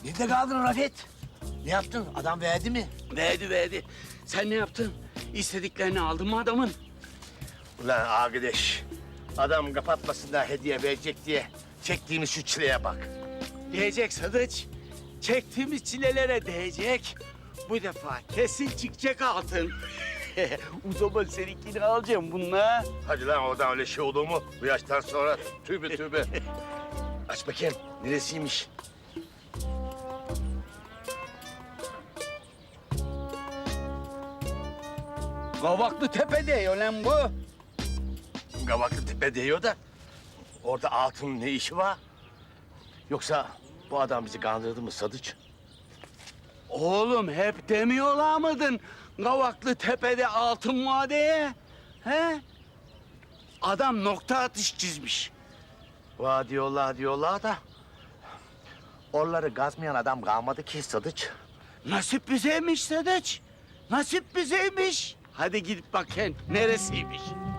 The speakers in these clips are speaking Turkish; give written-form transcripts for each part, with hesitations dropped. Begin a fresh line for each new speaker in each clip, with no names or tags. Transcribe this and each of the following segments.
Nerede kaldın Rafet? Ne yaptın? Adam verdi mi?
Verdi. Sen ne yaptın? İstediklerini aldın mı adamın?
Ulan arkadaş, adam kapatmasınlar hediye verecek diye çektiğimiz şu çileye bak.
Diyecek Sadıç. Çektiğimiz çilelere değecek. Bu defa kesin çıkacak altın. O zaman seninkini alacağım bununla.
Hadi lan oradan öyle şey olur mu? Bu yaştan sonra tövbe. Aç bakayım, neresiymiş?
Kavaklı Tepe diyor lan bu.
Gavaklı Tepe diyor da orada altının ne işi var? Yoksa bu adam bizi kandırdı mı Sadıç?
Oğlum hep demiyorlar mıydın Kavaklı Tepe'de altın var diye? He? Adam nokta atış çizmiş.
Va diyorlar da oraları gazmayan adam kalmadı ki Sadıç.
Nasip bizeymiş Sadıç. Nasip bizeymiş. Hadi gidip bakın neresiymiş.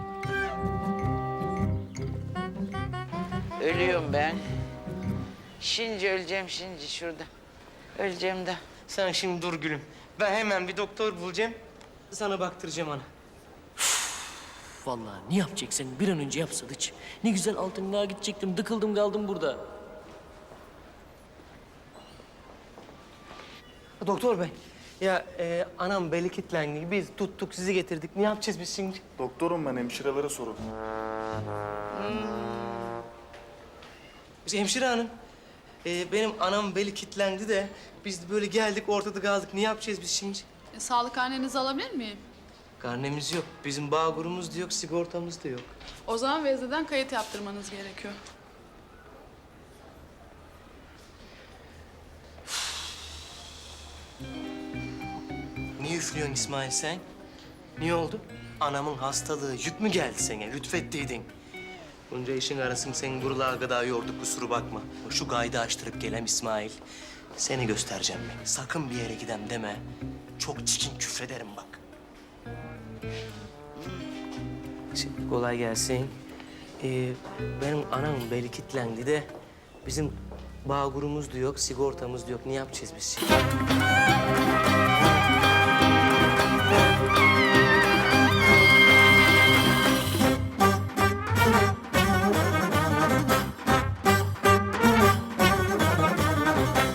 Ölüyorum ben. Şimdi öleceğim şimdi şurada. Öleceğim de.
Sen şimdi dur gülüm. Ben hemen bir doktor bulacağım. Sana baktıracağım ana.
Vallahi ne yapacaksın? Bir an önce yap Sadıç. Ne güzel altınlığa gidecektim. Dıkıldım kaldım burada.
Doktor bey. Ya anam beli kilitlendi. Biz tuttuk sizi getirdik. Ne yapacağız biz şimdi?
Doktorum ben, hemşirelere sorun.
Hemşire hanım. Benim anam beli kilitlendi de biz böyle geldik ortada kaldık. Ne yapacağız biz şimdi?
Sağlık karnenizi alabilir miyim?
Karnemiz yok. Bizim bağkurumuz da yok, sigortamız da yok.
O zaman vezneden kayıt yaptırmanız gerekiyor.
Niye üflüyorsun İsmail sen? Niye oldu? Anamın hastalığı yük mü geldi sana? Lütfettiydin. Bunca işin arasını sen buralara kadar yorduk, kusura bakma. Şu kaydı açtırıp gelem İsmail. Seni göstereceğim ben. Sakın bir yere gidem deme. Çok çirkin küfrederim bak. Şimdi kolay gelsin. Benim anamın beli kilitlendi de bizim bağkurumuz da yok, sigortamız da yok. Ne yapacağız biz şimdi?